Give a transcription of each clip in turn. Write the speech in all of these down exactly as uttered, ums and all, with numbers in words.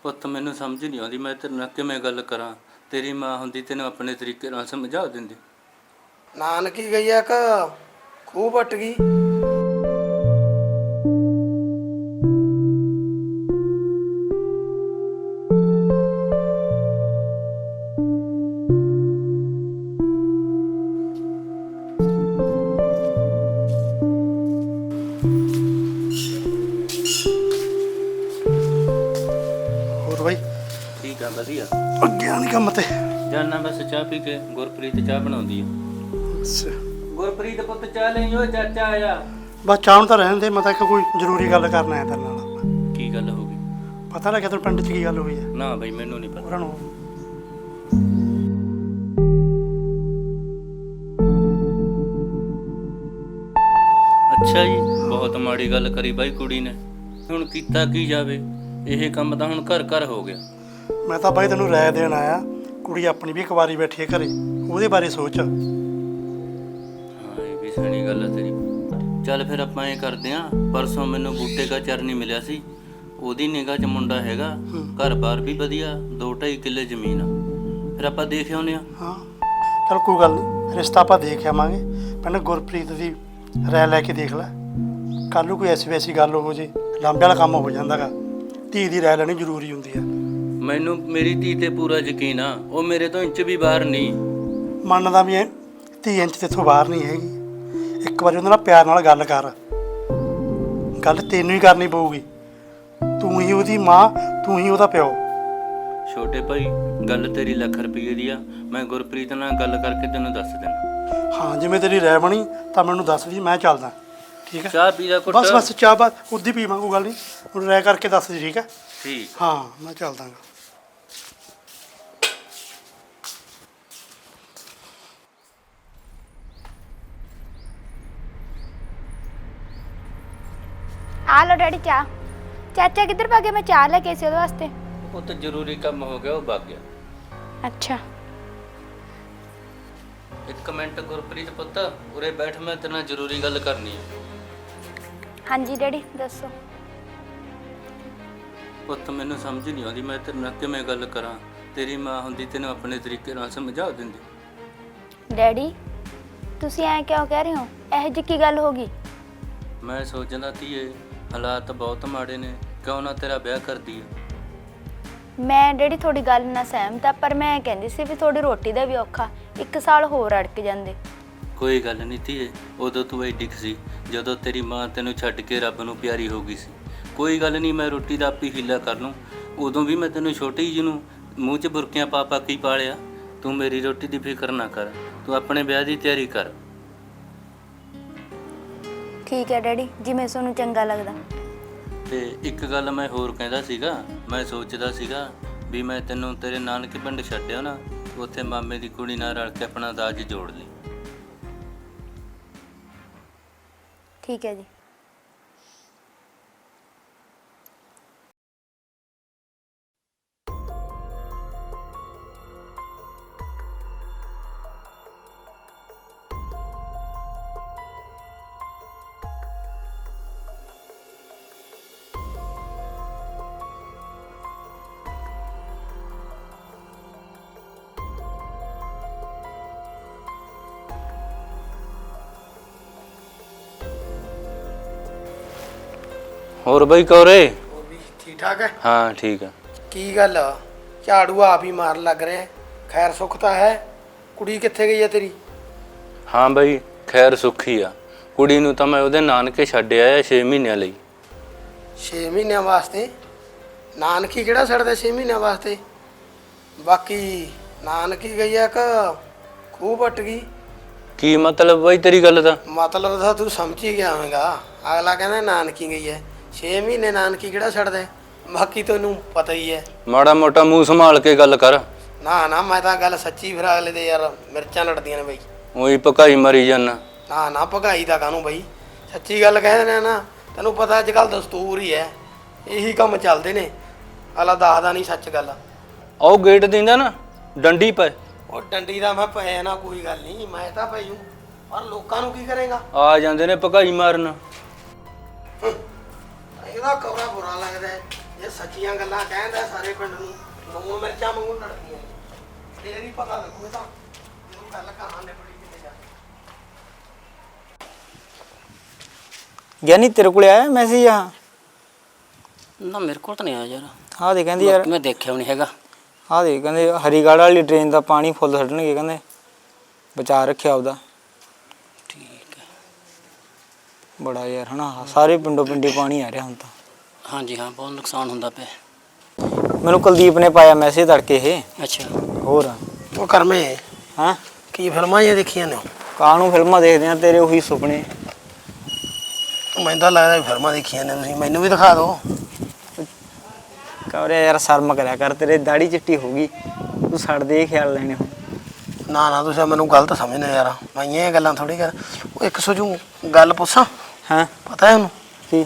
ਪੁੱਤ ਮੈਨੂੰ ਸਮਝ ਨਹੀਂ ਆਉਂਦੀ ਮੈਂ ਤੇਰੇ ਨਾਲ ਕਿਵੇਂ ਗੱਲ ਕਰਾਂ। ਤੇਰੀ ਮਾਂ ਹੁੰਦੀ ਤੈਨੂੰ ਆਪਣੇ ਤਰੀਕੇ ਨਾਲ ਸਮਝਾ ਦਿੰਦੀ। ਨਾਨਕੀ ਗਈ ਆ ਕਿ ਖੂਹ ਪੱਟ ਗਈ? ਹੋਰ ਬਾਈ ਠੀਕ ਆ ਵਧੀਆ। ਅੱਗੇ ਆਣ ਕੰਮ ਤੇ ਜਾਨਾ ਬਸ ਚਾਹ ਪੀ ਕੇ। ਗੁਰਪ੍ਰੀਤ ਚਾਹ ਬਣਾਉਂਦੀ ਆ। ਅੱਛਾ ਗੁਰਪ੍ਰੀਤ ਪੁੱਤ ਚਾਹ ਲਈ ਓ ਚਾਚਾ ਆਇਆ। ਬਸ ਚਾਹ ਨੂੰ ਤਾਂ ਰਹਿਣ ਦੇ, ਮੈਂ ਤਾਂ ਇੱਕ ਕੋਈ ਜ਼ਰੂਰੀ ਗੱਲ ਕਰਨਾ ਹੈ ਤੇਰੇ ਨਾਲ। ਕੀ ਗੱਲ ਹੋ ਗਈ? ਪਤਾ ਲੱਗਿਆ ਤੈਨੂੰ ਪਿੰਡ 'ਚ ਕੀ ਗੱਲ ਹੋਈ ਹੈ? ਨਾ ਬਈ ਮੈਨੂੰ ਨਹੀਂ ਪਤਾ। ਉਹਨਾਂ ਨੂੰ ਅੱਛਾ ਜੀ, ਬਹੁਤ ਮਾੜੀ ਗੱਲ ਕਰੀ ਬਾਈ ਕੁੜੀ ਨੇ। ਹੁਣ ਕੀਤਾ ਕੀ ਜਾਵੇ, ਇਹ ਕੰਮ ਤਾਂ ਹੁਣ ਘਰ ਘਰ ਹੋ ਗਿਆ। ਮੈਂ ਤਾਂ ਬਾਈ ਤੈਨੂੰ ਰਾਏ ਦੇਣ ਆਇਆ। ਕੁੜੀ ਆਪਣੀ ਵੀ ਕੁਆਰੀ ਬੈਠੀ ਹੈ ਘਰੇ, ਉਹਦੇ ਬਾਰੇ ਸੋਚ। ਹਾਂ ਇਹ ਵੀ ਸਹੀ ਗੱਲ ਹੈ ਤੇਰੀ। ਚੱਲ ਫਿਰ ਆਪਾਂ ਇਹ ਕਰਦੇ ਆਂ, ਪਰਸੋਂ ਮੈਨੂੰ ਬੂਟੇ ਦਾ ਚਰਨੀ ਮਿਲਿਆ ਸੀ, ਉਹਦੀ ਨਿਗਾਹ 'ਚ ਮੁੰਡਾ ਹੈਗਾ, ਘਰ-ਬਾਰ ਵੀ ਵਧੀਆ, ਦੋ ਢਾਈ ਕਿੱਲੇ ਜ਼ਮੀਨ ਆ। ਫਿਰ ਆਪਾਂ ਦੇਖ ਆਉਂਦੇ ਹਾਂ। ਹਾਂ ਚਲ ਕੋਈ ਗੱਲ ਨਹੀਂ, ਰਿਸ਼ਤਾ ਆਪਾਂ ਦੇਖ ਆਵਾਂਗੇ। ਪਹਿਲਾਂ ਗੁਰਪ੍ਰੀਤ ਦੀ ਰਾਏ ਲੈ ਕੇ ਦੇਖ ਲੈ। ਕੱਲ੍ਹ ਨੂੰ ਕੋਈ ਐਸੀ ਵੈਸੀ ਗੱਲ ਹੋ ਜੇ, ਲਾਂਬੇ ਵਾਲਾ ਕੰਮ ਹੋ ਜਾਂਦਾ ਗਾ। ਧੀ ਦੀ ਰਾਏ ਲੈਣੀ ਜ਼ਰੂਰੀ ਹੁੰਦੀ ਹੈ। ਮੈਨੂੰ ਮੇਰੀ ਧੀ ਤੇ ਪੂਰਾ ਯਕੀਨ ਆ, ਉਹ ਮੇਰੇ ਤੋਂ ਇੰਚ ਵੀ ਬਾਹਰ ਨਹੀਂ। ਮੰਨਦਾ ਵੀ ਐ ਧੀ ਇੰਚ ਤੇਥੋਂ ਬਾਹਰ ਨਹੀਂ ਹੈਗੀ। ਇੱਕ ਵਾਰੀ ਉਹਦੇ ਨਾਲ ਪਿਆਰ ਨਾਲ ਗੱਲ ਕਰ। ਗੱਲ ਤੈਨੂੰ ਹੀ ਕਰਨੀ ਪਊਗੀ। ਤੂੰ ਹੀ ਉਹਦੀ ਮਾਂ, ਤੂੰ ਹੀ ਉਹਦਾ ਪਿਓ। ਛੋਟੇ ਭਾਈ ਗੱਲ ਤੇਰੀ ਲੱਖ ਰੁਪਏ ਦੀ ਆ। ਮੈਂ ਗੁਰਪ੍ਰੀਤ ਨਾਲ ਗੱਲ ਕਰਕੇ ਤੈਨੂੰ ਦੱਸ ਦੇਣਾ। ਹਾਂ ਜਿਵੇਂ ਤੇਰੀ ਰਾਏ ਬਣੀ ਤਾਂ ਮੈਨੂੰ ਦੱਸ ਦੀ, ਮੈਂ ਚੱਲਦਾ। ਠੀਕ ਹੈ ਚਾਹ ਪੀ ਜਾ ਕੁੱਟ। ਬਸ ਬਸ ਚਾਹ ਬਾਤ ਉੱਦੀ ਪੀਵਾਂ, ਕੋਈ ਗੱਲ ਨਹੀਂ। ਹੁਣ ਰਾਏ ਕਰਕੇ ਦੱਸ ਦੀ, ਠੀਕ ਹੈ? ਠੀਕ। ਹਾਂ ਮੈਂ ਚੱਲਦਾ ਗਾ। ਆ ਲੋ ਡੈਡੀ ਚਾਹ। ਚਾਚਾ ਕਿੱਧਰ ਭੱਗੇ? ਮੈਂ ਚਾਹ ਲੈ ਕੇ ਸੀ ਉਹਦੇ ਵਾਸਤੇ। ਉਹ ਤਾਂ ਜ਼ਰੂਰੀ ਕੰਮ ਹੋ ਗਿਆ, ਉਹ ਭੱਗ ਗਿਆ। ਅੱਛਾ ਇੱਕ ਮਿੰਟ ਗੁਰਪ੍ਰੀਤ ਪੁੱਤ ਉਰੇ ਬੈਠ, ਮੈਂ ਤੇਰੇ ਨਾਲ ਜ਼ਰੂਰੀ ਗੱਲ ਕਰਨੀ ਹੈ। ਹਾਂਜੀ ਡੈਡੀ ਦੱਸੋ। ਪੁੱਤ ਮੈਨੂੰ ਸਮਝ ਨਹੀਂ ਆਉਂਦੀ ਮੈਂ ਤੇਰੇ ਨਾਲ ਕਿਵੇਂ ਗੱਲ ਕਰਾਂ। ਤੇਰੀ ਮਾਂ ਹੁੰਦੀ ਤੈਨੂੰ ਆਪਣੇ ਤਰੀਕੇ ਨਾਲ ਸਮਝਾ ਦਿੰਦੀ। ਡੈਡੀ ਤੁਸੀਂ ਐਂ ਕਿਉਂ ਕਹਿ ਰਹੇ ਹੋ? ਇਹੋ ਜਿਹੀ ਕੀ ਗੱਲ ਹੋ ਗਈ? ਮੈਂ ਸੋਚਦਾ ਧੀਏ ਹਾਲਾਤ ਬਹੁਤ ਮਾੜੇ ਨੇ, ਕਿਉਂ ਨਾ ਤੇਰਾ ਵਿਆਹ ਕਰਦੀ ਹੈ। ਮੈਂ ਡੈਡੀ ਤੁਹਾਡੀ ਗੱਲ ਨਾਲ ਸਹਿਮਤ ਆ, ਪਰ ਮੈਂ ਕਹਿੰਦੀ ਸੀ ਵੀ ਤੁਹਾਡੀ ਰੋਟੀ ਦਾ ਵੀ ਔਖਾ, ਇੱਕ ਸਾਲ ਹੋਰ ਅੜਕ ਜਾਂਦੇ। ਕੋਈ ਗੱਲ ਨਹੀਂ ਧੀਏ, ਉਦੋਂ ਤੂੰ ਐਡੀ ਸੀ ਜਦੋਂ ਤੇਰੀ ਮਾਂ ਤੈਨੂੰ ਛੱਡ ਕੇ ਰੱਬ ਨੂੰ ਪਿਆਰੀ ਹੋ ਗਈ ਸੀ। ਕੋਈ ਗੱਲ ਨਹੀਂ, ਮੈਂ ਰੋਟੀ ਦਾ ਆਪੀ ਹੀਲਾ ਕਰ ਲੂੰ। ਉਦੋਂ ਵੀ ਮੈਂ ਤੈਨੂੰ ਛੋਟੀ ਜਿਹੀ ਨੂੰ ਮੂੰਹ 'ਚ ਬੁਰਕੀਆਂ ਪਾ ਪਾ ਕੇ ਪਾਲਿਆ। ਤੂੰ ਮੇਰੀ ਰੋਟੀ ਦੀ ਫਿਕਰ ਨਾ ਕਰ, ਤੂੰ ਆਪਣੇ ਵਿਆਹ ਦੀ ਤਿਆਰੀ ਕਰ। ਠੀਕ ਹੈ ਡੈਡੀ, ਜਿਵੇਂ ਤੁਹਾਨੂੰ ਚੰਗਾ ਲੱਗਦਾ। ਤੇ ਇੱਕ ਗੱਲ ਮੈਂ ਹੋਰ ਕਹਿੰਦਾ ਸੀਗਾ, ਮੈਂ ਸੋਚਦਾ ਸੀਗਾ ਵੀ ਮੈਂ ਤੈਨੂੰ ਤੇਰੇ ਨਾਨਕੇ ਪਿੰਡ ਛੱਡਿਆ ਨਾ, ਉੱਥੇ ਮਾਮੇ ਦੀ ਕੁੜੀ ਨਾਲ ਰਲ ਕੇ ਆਪਣਾ ਦਾਜ ਜੋੜ ਲਈ। ਠੀਕ ਹੈ ਜੀ। ਹੋਰ ਬਈ ਕੌਰੇ? ਹੋਰ ਵੀ ਠੀਕ ਠਾਕ ਹੈ? ਹਾਂ ਠੀਕ ਆ। ਕੀ ਗੱਲ ਆ? ਝਾੜੂ ਆਪ ਹੀ ਮਾਰਨ ਲੱਗ ਰਿਹਾ। ਖੈਰ ਸੁੱਖ ਤਾਂ ਹੈ? ਕੁੜੀ ਕਿੱਥੇ ਗਈ ਹੈ ਤੇਰੀ? ਹਾਂ ਬਈ ਖੈਰ ਸੁੱਖੀ ਆ। ਕੁੜੀ ਨੂੰ ਤਾਂ ਮੈਂ ਉਹਦੇ ਨਾਨਕੇ ਛੱਡ ਆਇਆ ਛੇ ਮਹੀਨਿਆਂ ਲਈ। ਛੇ ਮਹੀਨਿਆਂ ਵਾਸਤੇ? ਨਾਨਕੀ ਕਿਹੜਾ ਛੱਡਦਾ ਛੇ ਮਹੀਨਿਆਂ ਵਾਸਤੇ? ਬਾਕੀ ਨਾਨਕੀ ਗਈ ਆ ਕਿ ਖੂਹ ਪੱਟ ਗਈ? ਕੀ ਮਤਲਬ ਬਈ ਤੇਰੀ ਗੱਲ ਦਾ? ਮਤਲਬ ਤਾਂ ਤੂੰ ਸਮਝ ਹੀ ਗਿਆ ਹੋਵੇਂਗਾ। ਅਗਲਾ ਕਹਿੰਦਾ ਨਾਨਕੀ ਗਈ ਹੈ, ਛੇ ਮਹੀਨੇ ਨਾਨਕੀ ਕਿਹੜਾ ਛੱਡਦਾ? ਬਾਕੀ ਤੈਨੂੰ ਪਤਾ ਹੀ ਹੈ। ਮਾੜਾ ਮੋਟਾ ਮੂੰਹ ਸੰਭਾਲ ਕੇ ਗੱਲ ਕਰ। ਨਾ ਨਾ ਮੈਂ ਤਾਂ ਗੱਲ ਸੱਚੀ, ਫਿਰ ਅਗਲੇ ਦੇ ਯਾਰ ਮਿਰਚਾਂ ਲੜਦੀਆਂ ਨੇ ਬਈ। ਉਹੀ ਭਕਾਈ ਮਰੀ ਜਾਨਾ। ਨਾ ਨਾ ਭਗਾਈ ਦਾ ਕਾਹਨੂੰ ਬਈ, ਸੱਚੀ ਗੱਲ ਕਹਿ ਦਿੰਦੇ ਨਾ। ਤੈਨੂੰ ਪਤਾ ਅੱਜ ਕੱਲ੍ਹ ਦਸਤੂਰ ਹੀ ਹੈ, ਇਹੀ ਕੰਮ ਚੱਲਦੇ ਨੇ। ਅਗਲਾ ਦੱਸਦਾ ਨਹੀਂ ਸੱਚ ਗੱਲ। ਉਹ ਗੇਟ ਦਿੰਦਾ ਨਾ ਡੰਡੀ ਪਏ। ਉਹ ਡੰਡੀ ਦਾ ਮੈਂ ਪਿਆ ਨਾ, ਕੋਈ ਗੱਲ ਨਹੀਂ, ਮੈਂ ਤਾਂ ਪਈ ਹੂੰ, ਪਰ ਲੋਕਾਂ ਨੂੰ ਕੀ ਕਰੇਗਾ? ਆ ਜਾਂਦੇ ਨੇ ਭਕਾਈ ਮਾਰਨ। ਇਹਦਾ ਕਵਰਾ ਬੁਰਾ ਲੱਗਦਾ ਹੈ। ਇਹ ਸੱਚੀਆਂ ਗੱਲਾਂ ਕਹਿੰਦਾ ਸਾਰੇ ਪਿੰਡ ਨੂੰ ਲੂਣ ਮਿਰਚਾਂ ਵਾਂਗੂ ਲੜਦੀਆਂ ਫੇਰ ਹੀ ਪਤਾ ਲੱਗੂ ਤਾਂ ਜਦੋਂ ਗੱਲ ਕਹਾਂ ਨੇ ਬੜੀ ਕਿਤੇ ਜਾ ਗਿਆਨੀ ਤੇਰੇ ਕੋਲ ਆਇਆ ਮੈਸੇਜ ਆ? ਨਾ ਮੇਰੇ ਕੋਲ ਤਾਂ ਨਹੀਂ ਆਇਆ ਯਾਰ। ਆਹ ਦੇ ਕਹਿੰਦੀ ਯਾਰ, ਮੈਂ ਦੇਖਿਆ ਵੀ ਨਹੀਂ ਹੈਗਾ। ਆਹ ਦੇ ਕਹਿੰਦੇ ਹਰੀਗੜ੍ਹ ਵਾਲੀ ਟ੍ਰੇਨ ਦਾ ਪਾਣੀ ਫੁੱਲ ਛੱਡਣਗੇ, ਕਹਿੰਦੇ ਬਚਾ ਰੱਖਿਆ ਆਪਦਾ। ਠੀਕ ਹੈ। ਬੜਾ ਯਾਰ ਹਨਾ, ਸਾਰੇ ਪਿੰਡੋਂ ਪਿੰਡੀ ਪਾਣੀ ਆ ਰਿਹਾ ਹੁਣ ਤਾਂ। ਹਾਂਜੀ ਹਾਂ, ਬਹੁਤ ਨੁਕਸਾਨ ਹੁੰਦਾ ਪਿਆ। ਮੈਨੂੰ ਕੁਲਦੀਪ ਨੇ ਪਾਇਆ ਮੈਸੇਜ ਤੜਕੇ ਇਹ। ਅੱਛਾ। ਹੋਰ ਉਹ ਕਰਮੇ ਹਾਂ, ਕੀ ਫਿਲਮਾਂ ਇਹ ਦੇਖੀਆਂ ਨੇ? ਕਾਹਨੂੰ ਫਿਲਮਾਂ ਦੇਖਦੇ ਆ, ਤੇਰੇ ਉਹੀ ਸੁਪਨੇ। ਮੈਨੂੰ ਤਾਂ ਲੱਗਦਾ ਵੀ ਫਿਲਮਾਂ ਦੇਖੀਆਂ ਨੇ ਤੁਸੀਂ, ਮੈਨੂੰ ਵੀ ਦਿਖਾ ਦਿਓ। ਕਹਰੇ ਯਾਰ ਸ਼ਰਮ ਕਰਿਆ ਕਰ, ਤੇਰੇ ਦਾੜੀ ਚਿੱਟੀ ਹੋ ਗਈ, ਤੂੰ ਛੱਡ ਦੇ ਇਹ ਖਿਆਲ ਲੈਣੇ ਹੁਣ। ਨਾ ਨਾ ਤੁਸੀਂ ਮੈਨੂੰ ਗਲਤ ਸਮਝਦੇ ਯਾਰ, ਮੈਂ ਇਹ ਗੱਲਾਂ ਥੋੜੀ ਕਰ। ਉਹ ਇੱਕ ਸੋਚੂ ਗੱਲ ਪੁੱਛਾਂ? ਹਾਂ ਪਤਾ ਹੈ ਉਹਨੂੰ ਕੀ?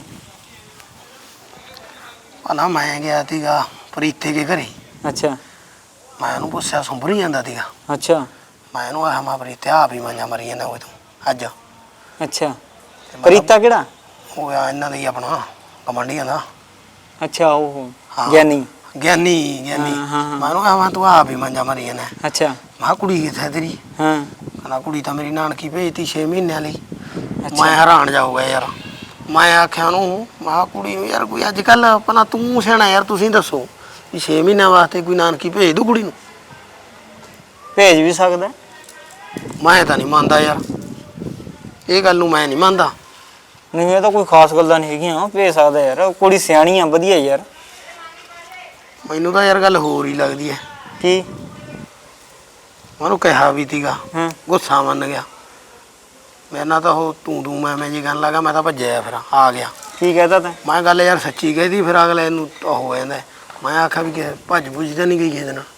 ਭਲਾ ਮੈਂ ਗਿਆ ਸੀਗਾ ਪ੍ਰੀਤੇ ਦੇ ਘਰੇ, ਅੱਛਾ ਮੈਂ ਉਹਨੂੰ ਪੁੱਛਿਆ ਸੁੰਭਰੀ ਜਾਂਦਾ ਸੀਗਾ। ਅੱਛਾ ਮੈਂ ਉਹਨੂੰ ਆਹ ਮਾ ਪ੍ਰੀਤੇ ਆ ਵੀ ਮਾਂਜਾ ਮਰੀ ਜਾਂਦਾ ਉਹ ਤੂੰ ਅੱਜ। ਅੱਛਾ। ਤੇ ਮੈਂ ਪ੍ਰੀਤਾ ਕਿਹੜਾ? ਉਹ ਆ ਇਹਨਾਂ ਦਾ ਹੀ ਆਪਣਾ ਕਮਾਂਡੀਆਂ ਦਾ। ਅੱਛਾ ਉਹ ਹਾਂ। ਗਿਆਨੀ। ਗਿਆਨੀ ਗਿਆਨੀ ਹਾਂ, ਹਾਂ, ਹਾਂ। ਮੈਂ ਉਹਨੂੰ ਆਹ ਤੂੰ ਆ ਵੀ ਮਾਂਜਾ ਮਰੀ ਜਾਂਦਾ। ਅੱਛਾ। ਮੈਂ ਕਿਹਾ ਕੁੜੀ ਕਿੱਥੇ ਤੇਰੀ? ਹਾਂ। ਕਹਿੰਦਾ ਕੁੜੀ ਤਾਂ ਮੇਰੀ ਨਾਨਕੀ ਭੇਜਤੀ ਛੇ ਮਹੀਨਿਆਂ ਲਈ। ਅੱਛਾ। ਮੈਂ ਹੈਰਾਨ ਜਾਊਗਾ ਯਾਰ। ਮੈਂ ਆਖਿਆ ਉਹਨੂੰ, ਮੈਂ ਕਿਹਾ ਕੁੜੀ ਨੂੰ ਯਾਰ ਕੋਈ ਅੱਜ ਕੱਲ੍ਹ ਆਪਣਾ ਤੂੰ ਸਿਆਣਾ ਯਾਰ, ਤੁਸੀਂ ਦੱਸੋ ਵੀ ਛੇ ਮਹੀਨਿਆਂ ਵਾਸਤੇ ਕੋਈ ਨਾਨਕੀ ਭੇਜ ਦੂ ਕੁੜੀ ਨੂੰ? ਭੇਜ ਵੀ ਸਕਦਾ। ਮੈਂ ਤਾਂ ਨਹੀਂ ਮੰਨਦਾ ਯਾਰ, ਇਹ ਗੱਲ ਨੂੰ ਮੈਂ ਨਹੀਂ ਮੰਨਦਾ। ਨਹੀਂ ਇਹ ਤਾਂ ਕੋਈ ਖਾਸ ਗੱਲਾਂ ਨਹੀਂ ਹੈਗੀਆਂ, ਭੇਜ ਸਕਦਾ ਯਾਰ, ਕੁੜੀ ਸਿਆਣੀ ਆ, ਵਧੀਆ ਯਾਰ। ਮੈਨੂੰ ਤਾਂ ਯਾਰ ਗੱਲ ਹੋਰ ਹੀ ਲੱਗਦੀ ਹੈ। ਕੀ? ਉਹਨੂੰ ਕਿਹਾ ਵੀ ਤੀਗਾ, ਹਾਂ। ਗੁੱਸਾ ਮੰਨ ਗਿਆ ਮੇਰੇ ਨਾਲ। ਤਾਂ ਉਹ ਤੂੰ ਤੂੰ ਮੈਂ ਮੈਂ ਜੀ ਗੱਲ ਲੱਗਾ, ਮੈਂ ਤਾਂ ਭੱਜਿਆ ਫਿਰ ਆ ਗਿਆ। ਕੀ ਕਹਿਤਾ ਤੈਂ? ਮੈਂ ਗੱਲ ਯਾਰ ਸੱਚੀ ਕਹਿਦੀ, ਫਿਰ ਅਗਲੇ ਨੂੰ ਉਹ ਹੋ ਜਾਂਦਾ। ਮੈਂ ਆਖਿਆ ਵੀ ਕਿ ਭੱਜ ਭੁੱਜ ਤਾਂ ਨਹੀਂ ਗਈ ਕਿਸੇ ਨਾਲ।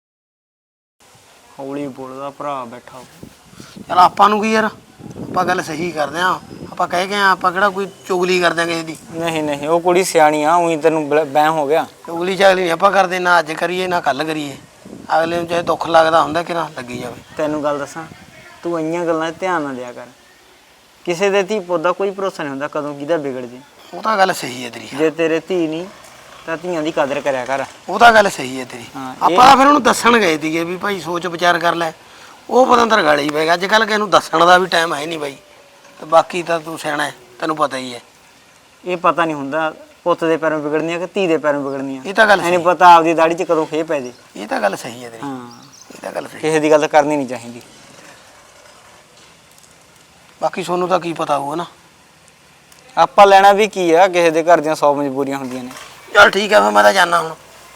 ਹੌਲੀ ਬੋਲਦਾ ਭਰਾ ਬੈਠਾ। ਚਲ ਆਪਾਂ ਨੂੰ ਕੀ ਯਾਰ, ਆਪਾਂ ਗੱਲ ਸਹੀ ਕਰਦੇ ਆਂ। ਆਪਾਂ ਕਹਿ ਗਏ ਆਂ, ਆਪਾਂ ਕਿਹੜਾ ਕੋਈ ਚੁਗਲੀ ਕਰਦੇ ਆਂ ਕਿਸੇ ਦੀ। ਨਹੀਂ ਨਹੀਂ ਉਹ ਕੁੜੀ ਸਿਆਣੀ ਆ, ਉਹੀ ਤੈਨੂੰ ਬਹਿਮ ਹੋ ਗਿਆ। ਚੁਗਲੀ ਚਾਗਲੀ ਨਹੀਂ ਆਪਾਂ ਕਰਦੇ, ਨਾ ਅੱਜ ਕਰੀਏ ਨਾ ਕੱਲ ਕਰੀਏ। ਅਗਲੇ ਨੂੰ ਚਾਹੇ ਦੁੱਖ ਲੱਗਦਾ ਹੁੰਦਾ ਕਿ ਨਾ ਲੱਗੀ ਜਾਵੇ। ਤੈਨੂੰ ਗੱਲ ਦੱਸਾਂ, ਤੂੰ ਇੰਨੀਆਂ ਗੱਲਾਂ 'ਤੇ ਧਿਆਨ ਨਾ ਦਿਆ ਕਰ। ਕਿਸੇ ਦੇ ਧੀ ਪੁੱਤ ਦਾ ਕੋਈ ਭਰੋਸਾ ਨਹੀਂ ਹੁੰਦਾ, ਕਦੋਂ ਕਿਹਦਾ ਵਿਗੜ ਜੇ। ਉਹ ਤਾਂ ਗੱਲ ਸਹੀ ਹੈ ਤੇਰੀ। ਜੇ ਤੇਰੇ ਧੀ ਨਹੀਂ ਤਾਂ ਧੀਆਂ ਦੀ ਕਦਰ ਕਰਿਆ ਕਰ। ਉਹ ਤਾਂ ਗੱਲ ਸਹੀ ਹੈ ਤੇਰੀ। ਹਾਂ, ਇਹ- ਆਪਾਂ ਤਾਂ ਫਿਰ ਉਹਨੂੰ ਦੱਸਣ ਗਏ ਸੀਗੇ ਵੀ ਭਾਈ ਸੋਚ ਵਿਚਾਰ ਕਰ ਲੈ। ਉਹ ਪਤਾ ਅੰਦਰ ਗਾਲੀ ਪੈ ਗਿਆ। ਅੱਜ ਕੱਲ੍ਹ ਕਿਸੇ ਨੂੰ ਦੱਸਣ ਦਾ ਵੀ ਟਾਈਮ ਹੈ ਨਹੀਂ ਬਾਈ। ਤੇ ਬਾਕੀ ਤਾਂ ਤੂੰ ਸਿਆਣਾ ਹੈ, ਤੈਨੂੰ ਪਤਾ ਹੀ ਹੈ। ਇਹ ਪਤਾ ਨਹੀਂ ਹੁੰਦਾ ਪੁੱਤ ਦੇ ਪੈਰੋਂ ਵਿਗੜਨੀਆਂ ਕਿ ਧੀ ਦੇ ਪੈਰੋਂ ਵਿਗੜਨੀਆਂ। ਇਹ ਤਾਂ ਗੱਲ ਐ ਨਹੀਂ ਸਹੀ। ਪਤਾ ਆਪਦੀ ਦਾੜੀ 'ਚ ਕਦੋਂ ਖੇ ਪੈ ਜੇ। ਇਹ ਤਾਂ ਗੱਲ ਸਹੀ ਹੈ ਤੇਰੀ। ਹਾਂ, ਇਹ ਤਾਂ ਗੱਲ ਸਹੀ। ਕਿਸੇ ਦੀ ਗੱਲ ਕਰਨੀ ਨਹੀਂ ਚਾਹੀਦੀ। ਬਾਕੀ ਸੋਨੂੰ ਤਾਂ ਕੀ ਪਤਾ ਹੋਊ ਨਾ। ਆਪਾਂ ਲੈਣਾ ਵੀ ਕੀ ਆ, ਕਿਸੇ ਦੇ ਘਰ ਦੀਆਂ ਸੌ ਮਜਬੂਰੀਆਂ ਹੁੰਦੀਆਂ ਨੇ। ਚੱਲ ਠੀਕ ਹੈ, ਫਿਰ ਮੈਂ ਤਾਂ ਜਾਣਾ ਹੁਣ।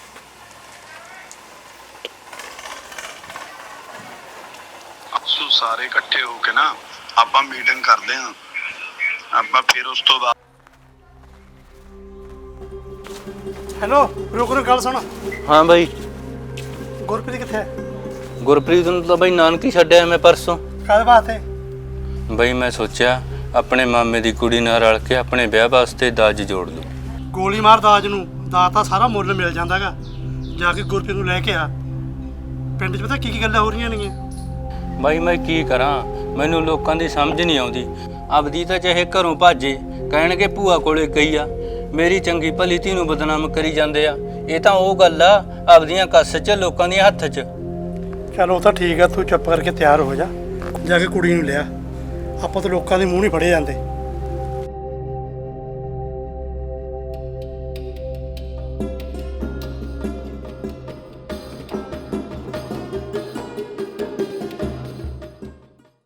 ਅਕਸੂ ਸਾਰੇ ਇਕੱਠੇ ਹੋ ਕੇ ਨਾ ਆਪਾਂ ਮੀਟਿੰਗ ਕਰਦੇ ਆਂ। ਆਪਾਂ ਫਿਰ ਉਸ ਤੋਂ ਬਾਅਦ ਹੈਲੋ ਰੁਕ ਰੁਕ ਗੱਲ ਸੁਣ। ਹਾਂ ਬਾਈ। ਗੁਰਪ੍ਰੀਤ ਕਿੱਥੇ ਹੈ? ਗੁਰਪ੍ਰੀਤ ਨੂੰ ਤਾਂ ਬਾਈ ਨਾਨਕੀ ਛੱਡਿਆ ਮੈਂ ਪਰਸੋਂ। ਕਾਹਦੇ ਵਾਸਤੇ? ਬਾਈ ਮੈਂ ਸੋਚਿਆ ਆਪਣੇ ਮਾਮੇ ਦੀ ਕੁੜੀ ਨਾਲ ਰਲ ਕੇ ਆਪਣੇ ਵਿਆਹ ਵਾਸਤੇ ਦਾਜ ਜੋੜ ਲੂੰ। ਗੋਲੀ ਮਾਰ ਦਾਜ ਨੂੰ, ਦਾਜ ਤਾਂ ਸਾਰਾ ਮੁੱਲ ਮਿਲ ਜਾਂਦਾਗਾ। ਜਾ ਕੇ ਗੁਰਪ੍ਰੀਤ ਨੂੰ ਲੈ ਕੇ ਆ। ਪਿੰਡ 'ਚ ਪਤਾ ਕੀ ਕੀ ਗੱਲਾਂ ਹੋ ਰਹੀਆਂ ਨੇਗੀਆਂ। ਬਾਈ ਮੈਂ ਕੀ ਕਰਾਂ, ਮੈਨੂੰ ਲੋਕਾਂ ਦੀ ਸਮਝ ਨਹੀਂ ਆਉਂਦੀ। ਆਪਦੀ ਤਾਂ ਚਾਹੇ ਘਰੋਂ ਭਾਜੇ, ਕਹਿਣਗੇ ਭੂਆ ਕੋਲੇ ਗਈ ਆ, ਮੇਰੀ ਚੰਗੀ ਭਲੀ ਧੀ ਨੂੰ ਬਦਨਾਮ ਕਰੀ ਜਾਂਦੇ ਆ। ਇਹ ਤਾਂ ਉਹ ਗੱਲ ਆ ਆਪਦੀਆਂ ਕੱਸ 'ਚ, ਲੋਕਾਂ ਦੇ ਹੱਥ 'ਚ। ਚਲ ਉਹ ਤਾਂ ਠੀਕ ਆ, ਤੂੰ ਚੁੱਪ ਕਰਕੇ ਤਿਆਰ ਹੋ ਜਾ। ਜਾ ਕੇ ਕੁੜੀ ਨੂੰ ਲਿਆ। ਆਪਾਂ ਤਾਂ ਲੋਕਾਂ ਦੇ ਮੂੰਹ ਨਹੀਂ ਫੜੇ ਜਾਂਦੇ।